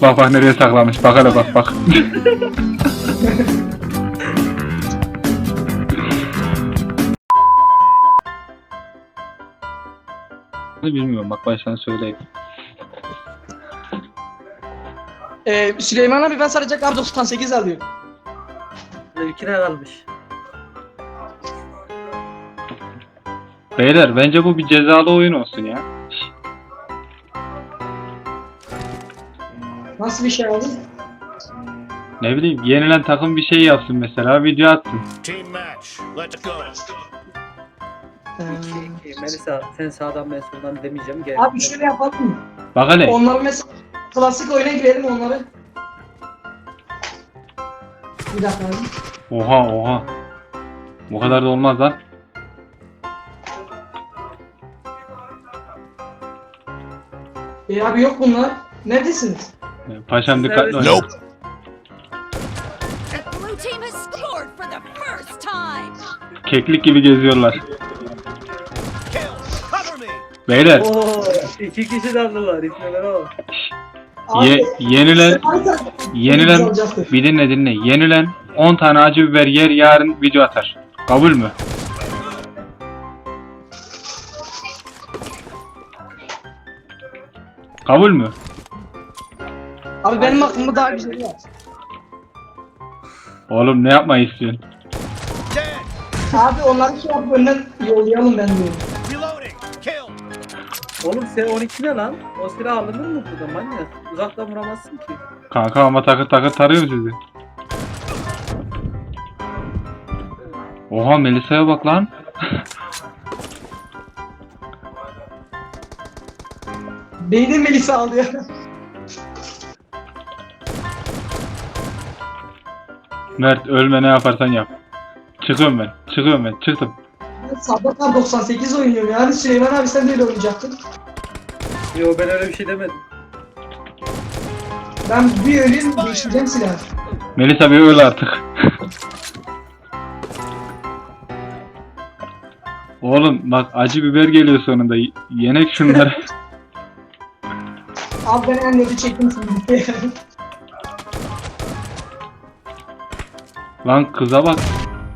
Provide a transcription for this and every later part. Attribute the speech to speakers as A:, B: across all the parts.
A: Bak bak nereye saklamış. Bak hele bak bak. Bilmiyorum bak baştan söyleyeyim.
B: Süleyman abi ben sadece kar 98 alıyorum.
C: Ülkine kalmış.
A: Beyler bence bu bir cezalı oyun olsun ya.
B: Nasıl bir şey abi?
A: Ne bileyim yenilen takım bir şey yapsın mesela video atsın.
D: Team match. Let's go.
C: Melisa sen sağdan ben soldan demeyeceğim. Gel.
B: Abi şöyle yapalım mı?
A: Bak hele.
B: Onları mesela klasik oyuna girelim onları. Bir dakika abi.
A: Oha oha. Bu kadar da olmaz lan.
B: Abi yok bunlar. Neredesiniz?
A: Paşam dikkatli ol.
D: Nope.
E: The blue team has scored for the first time.
A: Keklik gibi geziyorlar.
D: Kill. Cover me.
A: Beyler
C: Oo, 2 kişi daldılar. İsmiler o.
A: yenilen
B: Biz alacaktır.
A: bir dinle yenilen 10 tane acı biber yer yarın video atar. Kabul mü? Kabul mü?
B: Abi benim aklımda daha güzel var.
A: Oğlum ne yapmayı istiyorsun?
D: Dead.
B: Abi onları şey yap önden yollayalım ben diyorum.
D: Reloading. Kill.
C: Oğlum sen 12 ne lan? O silah alınır mı burada manyak? Uzaktan vuramazsın ki.
A: Kanka ama takır takır tarıyor sizi. Oha Melisa'ya bak lan.
B: Beynin Melisa aldı ya.
A: Mert ölme ne yaparsan yap. Çıkıyorum ben çıktım.
B: Ben sabah 98 oynuyorum yani Süleyman abi sen de öyle oynayacaktın.
C: Yo ben öyle bir şey demedim.
B: Ben bir öleyim değiştireceğim silahı.
A: Melisa bir öl artık. Oğlum bak acı biber geliyor sonunda. Yenek şunları.
B: Abi ben en neti çektim şimdi.
A: Lan kıza bak.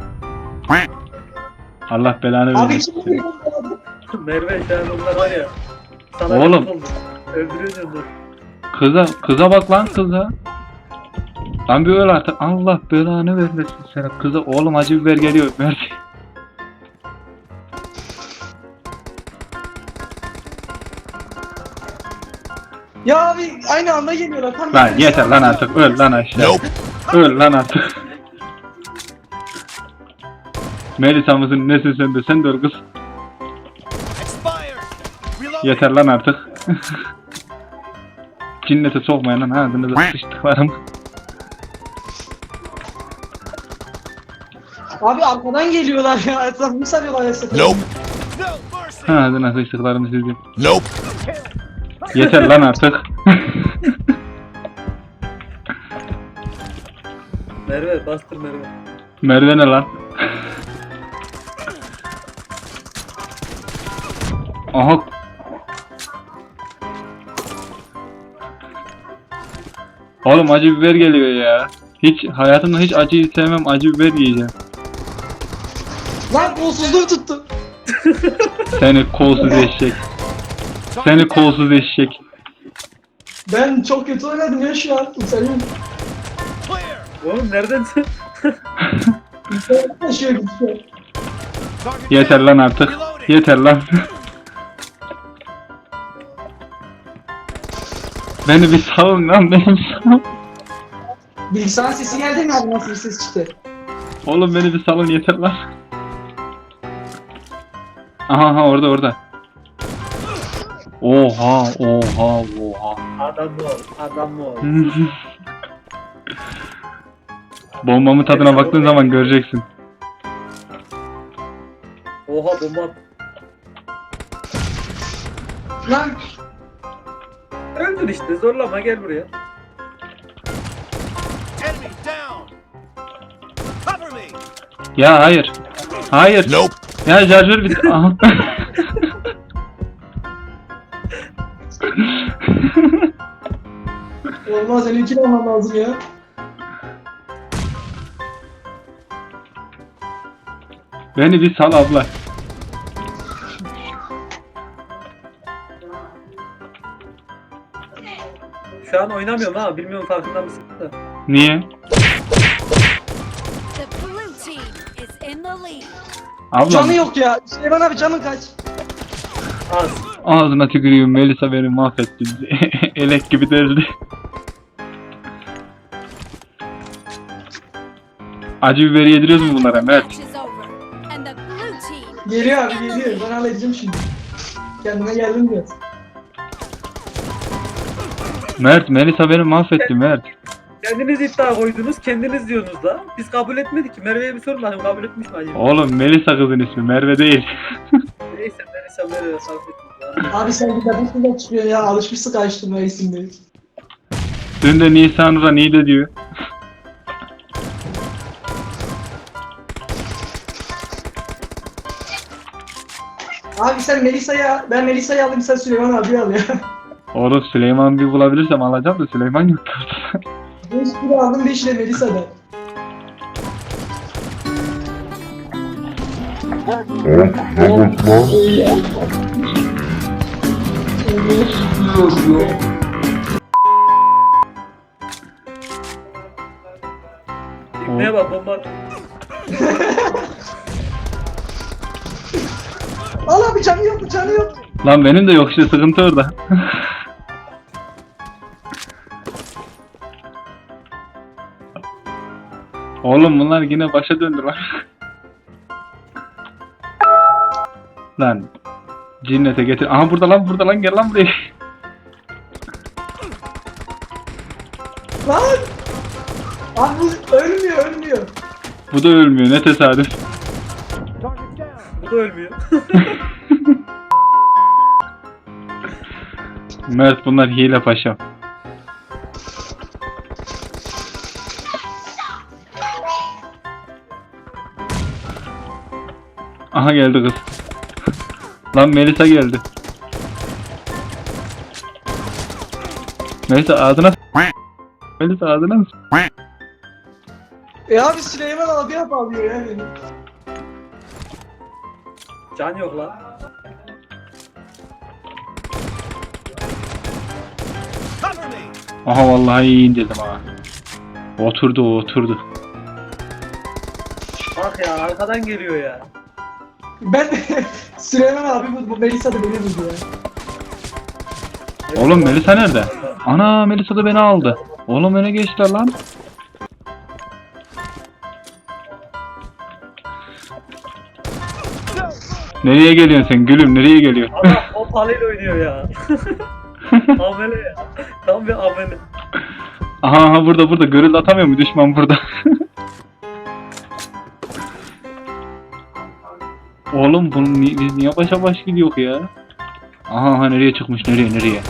A: Allah belanı
B: Abi
A: versin.
B: kim
C: Merve şu an onlar var ya. Sana
A: Oğlum.
C: öldürüyorsun dur.
A: Kıza bak lan kıza. Lan bir öl artık. Allah belanı vermesin sana. Kıza oğlum acı biber geliyor. Mert.
B: Ya abi aynı anda geliyorlar. Tam
A: Lan yeter lan artık. Öl lan aşağı.
D: Nope.
A: Öl lan artık. Melisa mısın nesin sen de? Sen de öl kız.
D: Expired. Reloading.
A: Yeter lan artık. Cinnete sokmayın lan ağzınıza sıçtıklarım.
B: Abi arkadan geliyorlar ya. Etrafımı sarıyorlar ya.
D: Nope. No mercy.
A: Ağzına sıçtıklarım sizi.
D: Nope.
A: Yeter lan artık.
C: Merve bastır Merve.
A: Merve ne lan? Aha. Oğlum acı biber geliyor ya. Hayatımda hiç acıyı sevmem. Acı biber yiyeceğim.
B: Lan kolsuzluğu tuttu.
A: Seni kolsuz eşek. Seni kolsuz eşek.
B: Ben çok kötü oynadım ya şu an. Senin
D: Clear.
C: Oğlum nereden sen?
B: taşıyor gidiyor.
D: Target
A: Yeter lan artık.
D: Reloading.
A: Yeter lan. Beni bir salın lan beni bir salın.
B: Bilgisayar sesi geldi mi abi nasıl bir ses çıktı?
A: Oğlum beni bir salın yeter lan. Aha orada. Oha.
C: Adam mı ol? Adam mı ol?
A: Bombamın tadına baktığın zaman göreceksin.
C: Oha bomba.
B: Lan
C: Öldür işte zorlama gel buraya.
D: Enemy down. Cover me.
A: Ya hayır. Hayır.
D: Nope.
A: Ya şarjör bitti. Aha.
B: Olmaz, seni ikili olmam lazım ya.
A: Beni bir sal abla.
C: Şu an oynamıyorum ha. Bilmiyorum farkında mısın? Da.
A: Niye?
E: The blue team is in the lead.
A: Ablam
B: Canı yok ya. Süleyman abi canın kaç?
C: Az.
A: ağzına tükürüyorum, Melisa beni mahvetti. Elek gibi deldi. Acı biberi yediriyoruz mu bunlara Mert?
E: Match is over, and the blue team
B: Geliyor abi
E: is in the
B: geliyor.
E: lead.
B: Ben halledeceğim şimdi. Kendine geldim biraz.
A: Mert, Melisa beni mahvetti Mert.
C: Kendiniz iddia koydunuz, kendiniz diyorsunuz da. Biz kabul etmedik ki. Merve'ye bir sorun bakayım kabul etmiş mi acaba?
A: Oğlum Melisa kızın ismi, Merve değil.
C: Neyse Merve'ye sarf etmiş.
B: Abi sen bir kadın çıkıyor ya. Alışmışsın karıştırmaya isimleri.
A: Dün de Nisanur'a Nide diyor.
B: Abi sen Melisa'ya, ben Melisa'yı alayım, sen Süleyman abi al ya.
A: Oğlum Süleyman bir bulabilirsem alacağım da Süleyman yok.
B: 5 kilo aldım, 5 ile Melisa'da.
C: İbneye bak bomba.
B: Al abi, canı yok, canı yok.
A: Lan benim de yok işte, sıkıntı orada. Oğlum bunlar yine başa döndü lan. Lan cinnete getir. Aha burada lan gel lan buraya.
B: Lan! Abi bu ölmüyor.
A: Bu da ölmüyor, ne tesadüf.
C: Bu da ölmüyor.
A: Mert bunlar hile paşam. Aha geldi kız. Lan Melisa geldi. Melisa ağzına Melisa ağzına
B: Abi Süleyman abi alıyor ya beni.
C: Can yok lan.
D: Cover me.
A: Aha vallahi iyi indirdim ha. Oturdu.
C: Bak ya arkadan geliyor ya.
B: Ben Süleyman abi bu Melisa da beni buldu ya.
A: Oğlum Melisa nerede? Ana Melisa da beni aldı. Oğlum öne geçtiler lan. Nereye geliyorsun sen gülüm, nereye geliyorsun?
C: Adam o palıyla oynuyor ya. Amele ya. Tam bir amele.
A: Aha burada görüldü, atamıyor mu düşman burada? Oğlum biz niye başa baş gidiyor ya? Aha nereye çıkmış, nereye?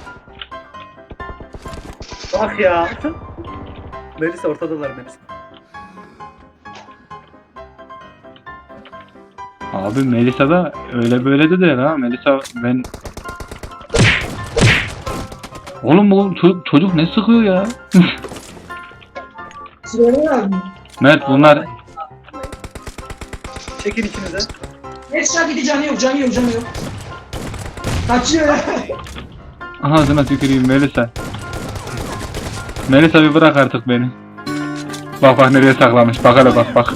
C: Bak ya. Melisa ortadalar Melisa.
A: Abi Melisa da öyle böyle de değil ha. Melisa ben... Oğlum bu çocuk ne sıkıyor ya?
B: Süleyman abi.
A: Mert bunlar...
C: Çekin içinize.
B: Headshot gidi, canı yok. Kaçıyor ya.
A: Ağzına tüküreyim Melisa. Melisa bir bırak artık beni. Bak nereye saklamış. Bak hele bak.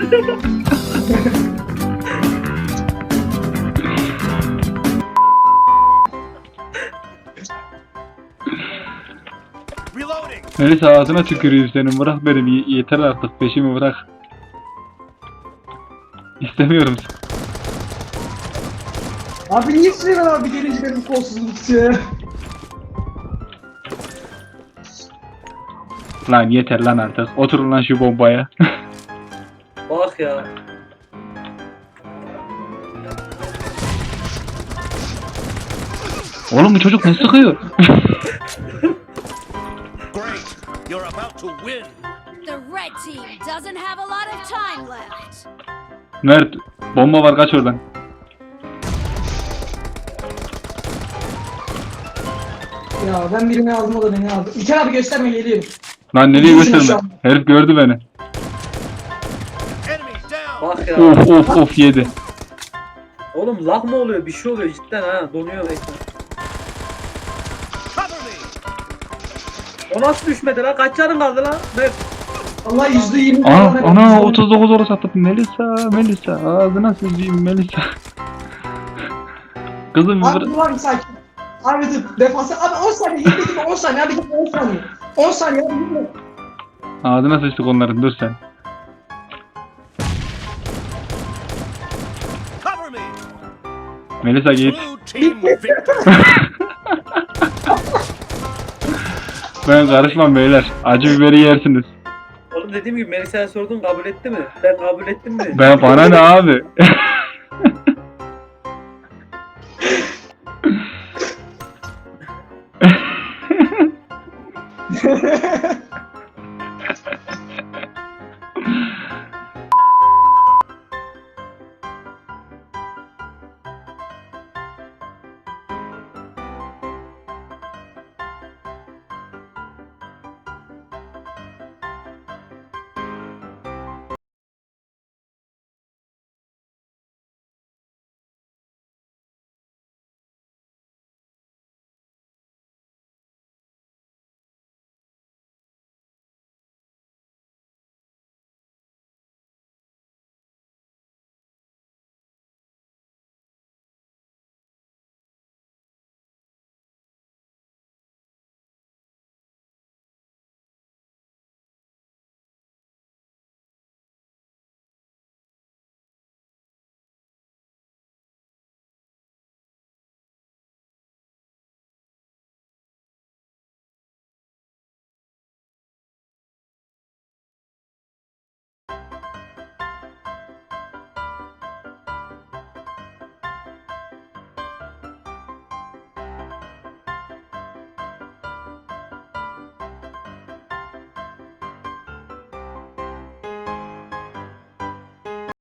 D: Reloading.
A: Melisa ağzına tüküreyim senin. Bırak beni. Yeter artık. Peşimi bırak. İstemiyorum.
B: Abi niye Süleyman abi gelince benim kolsuzluğum tutuyor ya?
A: Lan yeter lan artık. Oturun lan şu bombaya.
C: Bak ya.
A: Oğlum bu çocuk ne sıkıyor?
D: Great. You're about to win.
E: The red team doesn't have a lot of time left.
A: Mert bomba var, kaç oradan.
B: Ya ben birini aldım, o da beni aldı. İlker abi gösterme, geliyorum.
A: Lan nereye
B: Yüzüne şu
A: götürme?
B: an.
A: Herif gördü beni.
D: Enemies down.
C: Bak ya.
A: Of yedi.
C: Oğlum lag mı oluyor? Bir şey oluyor cidden ha. Donuyor ekran.
D: Cover me.
C: O nasıl düşmedi lan? Kaç canın kaldı lan? Mert.
B: Allah %20
A: Ana 39 orası atıp Melisa ağzına sıçayım Melisa. Kızım
B: Abi dur abi, sakin. Abi dur, defansa. Abi 10 saniye, yedi 10 saniye, abi 10 saniye. 10 saniye abi, yedi.
A: ağzına sıçtık onların, dur sen.
D: Cover me.
A: Melisa git.
D: Blue team victory.
A: Ben karışmam beyler. Acı biberi yersiniz.
C: Oğlum dediğim gibi Melisa'ya sordun, kabul etti mi? Ben kabul ettim mi?
A: Ben bana ne abi?